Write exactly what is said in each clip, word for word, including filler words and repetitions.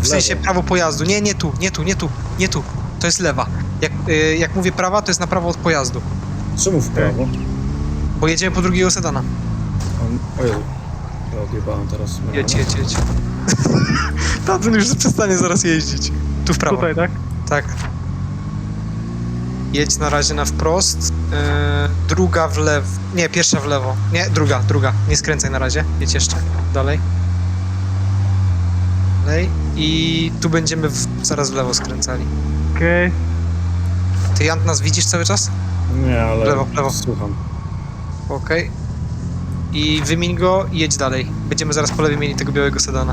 w sensie prawo pojazdu. Nie, nie tu, nie tu, nie tu, nie tu. To jest lewa. Jak, y, jak mówię prawa, to jest na prawo od pojazdu. Czemu w prawo? Bo jedziemy po drugiego sedana. O Jezu. Ja odjebałem teraz. Jedź, jedź, jedź. Tamten już przestanie zaraz jeździć. Tu w prawo. Tutaj, tak? Tak. Jedź na razie na wprost. Yy, druga w lewo. Nie, pierwsza w lewo. Nie, druga, druga. Nie skręcaj na razie. Jedź jeszcze. Dalej. Dalej. I tu będziemy w, zaraz w lewo skręcali. Okej. Ty, Jan, nas widzisz cały czas? Nie, ale Lewo, w lewo. słucham. Okej. I wymień go i jedź dalej. Będziemy zaraz po lewej mieli tego białego sedana.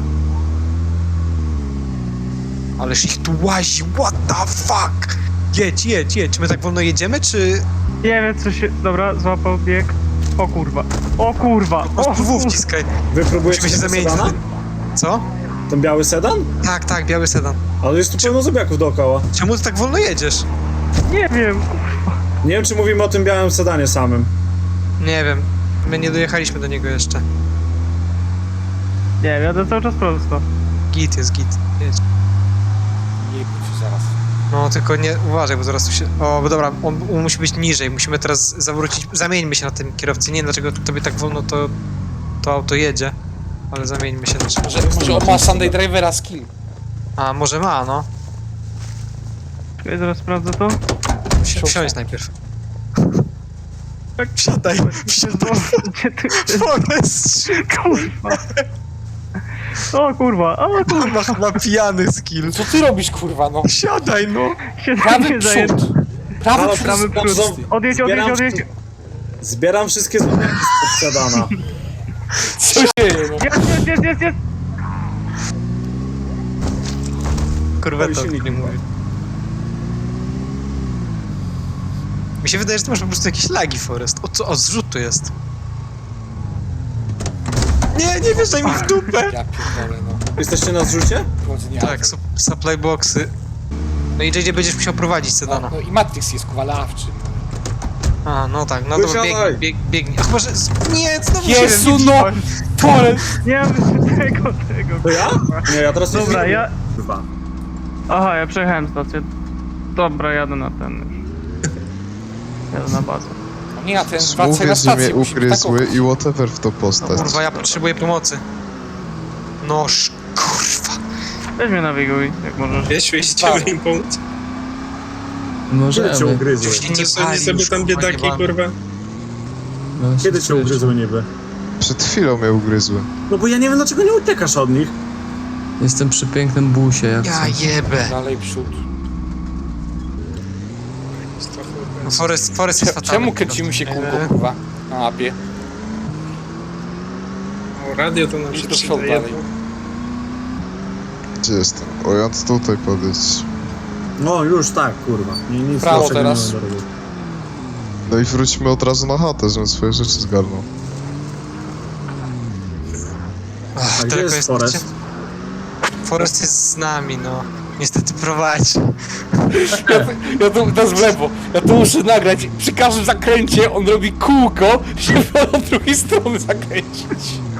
Ależ ich tu łazi, what the fuck? Jedź, jedź, jedź. My tak wolno jedziemy, czy Nie wiem co się... Dobra, złapał bieg. O kurwa. O kurwa. po prostu O, W wciskaj? Wy próbujecie Musimy się tego zamienić. sedana? Co? Ten biały sedan? Tak, tak, biały sedan. Ale jest tu pełno zębiaków dookoła. Czemu ty tak wolno jedziesz? nie wiem. Nie wiem, czy mówimy o tym białym sedanie samym. Nie wiem. My nie dojechaliśmy do niego jeszcze. Nie wiem, jadę cały czas prosto. Git jest, git. Jedź. Nie bój się zaraz. No, tylko nie... Uważaj, bo zaraz tu się... O, bo dobra, on, on musi być niżej. Musimy teraz zawrócić... Zamieńmy się na tym kierowcy. Nie wiem, dlaczego tobie tak wolno to... To auto jedzie. Ale zamieńmy się na czymś. Może, może on ma Sunday Drivera skill. A, może ma, no. Czekaj, zaraz sprawdzę to. Wsi wsiądź najpierw. Tak, wsiadaj. Wsiadaj. Gdzie ty chcesz? Forest, Kurwa. O kurwa, o kurwa. kurwa, chyba pijany skill. Co ty robisz, kurwa, no? Siadaj, no. Się Prawy nie zaje... przód. Prawy Halo, przód. prawy prawy przód. przód. Odjedź, odjedź, Zbieram odjedź. wszy- Zbieram wszystkie zębiaki z sedana. Co się dzieje, no? Jest, jest, jest, jest, jest. Kurweta, Oj, silnik nie nie mówię. Mi się wydaje, że ty masz po prostu jakieś lagi, Forest. O co? O, zrzut tu jest. Nie, nie wjeżdżaj mi w dupę! Ja pierdolę, no. Jesteście na zrzucie? Drodzy, nie Tak, su supply boxy. No i J J będziesz musiał prowadzić no, sedana. no i Matrix jest kuwalawczy. A, no tak, no to Wysiadaj. biegnij, bieg, biegnij. A chyba, że... Nie, znowu Jezu, się no! Pole! Nie mam tego, tego. To ja? Nie, ja teraz nie Dobra, zjeżdżam. ja... Kurwa. Aha, ja przejechałem stację. Dobra, jadę na ten już. Jadę na bazę. No nie, a ten wracaj na Mówię, że stację. mnie musimy ugryzły taką- i whatever w to postać. Kurwa, ja potrzebuję pomocy. Noż, kurwa. Weź mnie nawiguj, jak możesz. Jeśli chciałby im pomóc. Kiedy cię ugryzły? Już się nie Czy sądzi pali, sobie już, tam kurwa, biedaki, nie ma. kurwa? Kiedy cię ugryzły niby? Przed chwilą mnie ugryzły. No bo ja nie wiem, dlaczego nie uciekasz od nich. Jestem przy pięknym busie, jak Ja chcę. jebę. Dalej przód. No Forest, Forest jest Cze- fatalny. Czemu kręcimy się kółko, kurwa? Na mapie. O, radio to nam Idź się do przodu przydaje. dalej. Gdzie jestem? O, ja tutaj podejść. No już tak, kurwa. Nie, nic Prawo lepszego nie teraz. mam do roboty. No i wróćmy od razu na chatę, żebym swoje rzeczy zgarnął. Ach, A gdzie daleko jest jesteście? Forest? Forest jest z nami, no. Niestety prowadzi. Ja, ja tu, to jest w lewo. Ja to muszę nagrać. Przy każdym zakręcie on robi kółko, żeby od drugiej strony zakręcić.